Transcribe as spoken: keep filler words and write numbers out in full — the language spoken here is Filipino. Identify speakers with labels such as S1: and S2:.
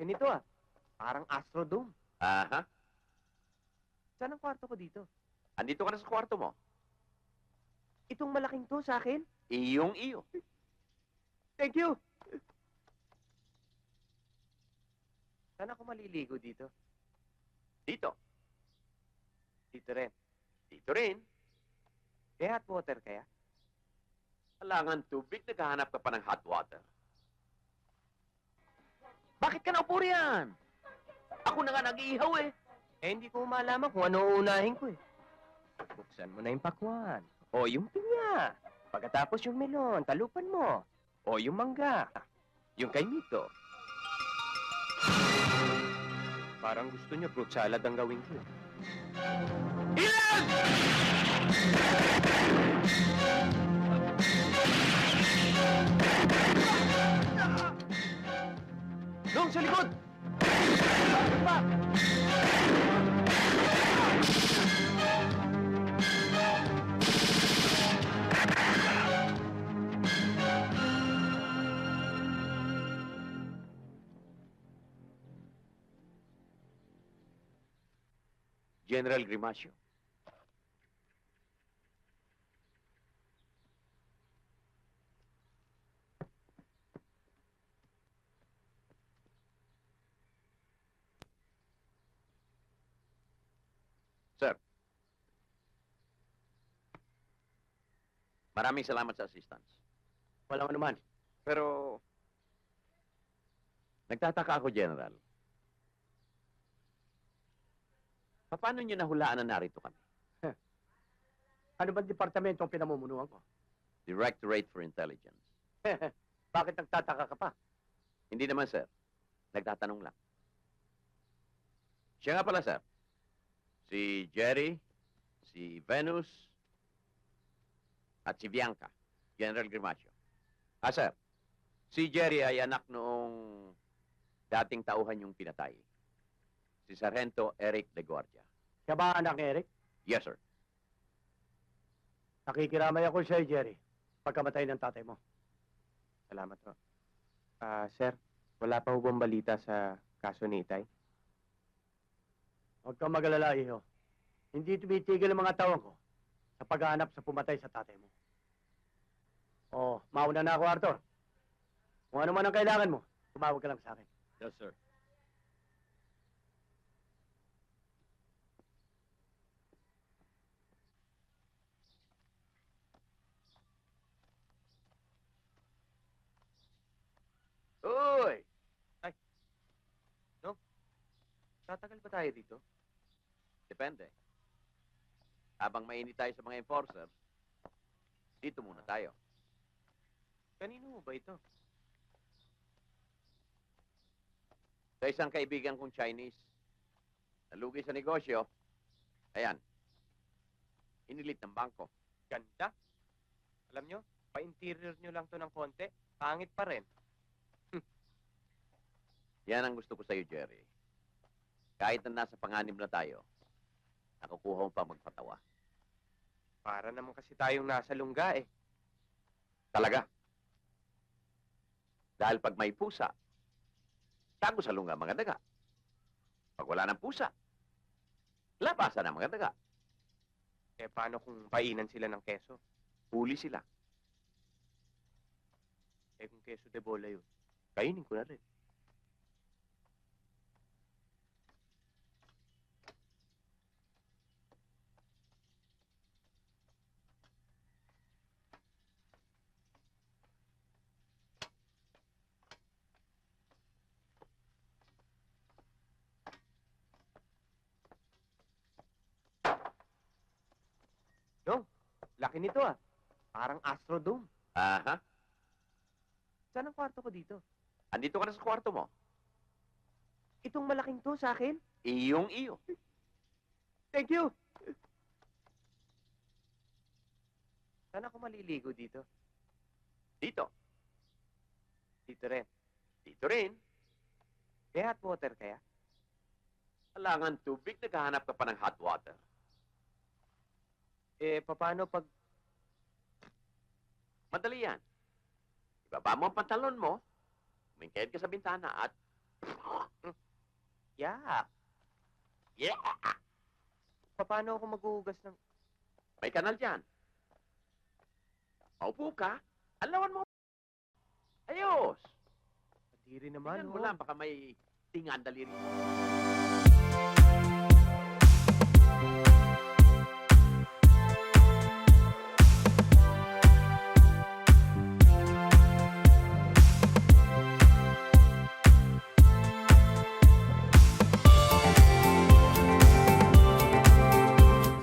S1: laki nito ah. Parang Astrodome.
S2: Aha.
S1: Saan ang kwarto ko dito?
S2: Andito ka na sa kwarto mo.
S1: Itong malaking to sa akin?
S2: Iyong iyo.
S1: Thank you! Saan ako maliligo dito?
S2: Dito.
S1: Dito rin.
S2: Dito rin.
S1: Eh, hot water kaya?
S2: Alangan tubig, naghahanap ka pa ng hot water.
S1: Bakit ka naupo riyan?
S2: Ako na nga nag-iihaw eh.
S1: Eh, hindi ko malaman kung ano uunahin ko eh. Buksan mo na yung pakwan. O yung pinya. Pagkatapos yung melon, talupan mo. O yung mangga. Yung kay Mito. Parang gusto niya fruit salad ang gawin ko. Ilan! Dong, sa likod! Bakit ba?
S2: General Grimasio. Sir. Maraming salamat sa assistance.
S1: Walang anuman.
S2: Pero, nagtataka ako, General. Paano niyo nahulaan na narito kami?
S1: Ano bang departamento ang pinamumunuan ko?
S2: Directorate for Intelligence.
S1: Bakit nagtataka ka pa?
S2: Hindi naman, sir. Nagtatanong lang. Siya nga pala, sir. Si Jerry, si Venus, at si Bianca, General Grimasio. Ah, sir. Si Jerry ay anak noong dating tauhan yung pinatay. Si Sargento Eric De Guardia.
S1: Siya ba anak ni Eric?
S2: Yes, sir.
S1: Nakikiramay ako sa'yo, Jerry. Pagkamatay ng tatay mo. Salamat po. Ah, sir, wala pa ho bang balita sa kaso ni Itay? Huwag kang mag-alala, iho. Hindi tumitigil ang mga tawang ko sa paghahanap sa pumatay sa tatay mo. Oh, mauna na ako, Arthur. Kung ano man ang kailangan mo, tumawag ka lang sa akin.
S2: Yes, sir. Uy!
S1: Tatagal ba tayo dito?
S2: Depende. Habang mainit tayo sa mga enforcer, dito muna tayo.
S1: Kanino mo ba ito?
S2: Sa isang kaibigan kong Chinese, nalugi sa negosyo, ayan, inilit ng bangko.
S1: Ganda. Alam nyo, pa-interior nyo lang to ng konti, pangit pa rin.
S2: Yan ang gusto ko sa'yo, Jerry. Kahit na nasa panganib na tayo, nakukuha mo pa magpatawa.
S1: Para naman kasi tayong nasa lungga eh.
S2: Talaga. Dahil pag may pusa, tago sa lunga mga daga. Pag wala ng pusa, labasan ang mga daga.
S1: Eh paano kung painan sila ng keso?
S2: Huli sila.
S1: Eh kung keso de bola yun, kainin ko na rin. Dong, laki nito ah. Parang Astrodome.
S2: Aha.
S1: Saan ang kwarto ko dito?
S2: Andito ka na sa kwarto mo.
S1: Itong malaking to sa akin?
S2: Iyong iyo.
S1: Thank you! Saan ako maliligo dito?
S2: Dito.
S1: Dito rin.
S2: Dito rin.
S1: Eh, hot water kaya?
S2: Alangan tubig, naghahanap ka pa ng hot water.
S1: Eh, paano pag...
S2: Madali yan. Ibaba mo ang pantalon mo, umingkayad ka sa bintana at
S3: Yeah.
S2: Yeah!
S3: Paano ako maghuhugas ng...
S2: May kanal dyan. Maupo ka. Alawan mo. Ayos!
S3: Kadiri naman,
S2: Tingnan mo
S3: ho.
S2: lang, baka may tingan daliri.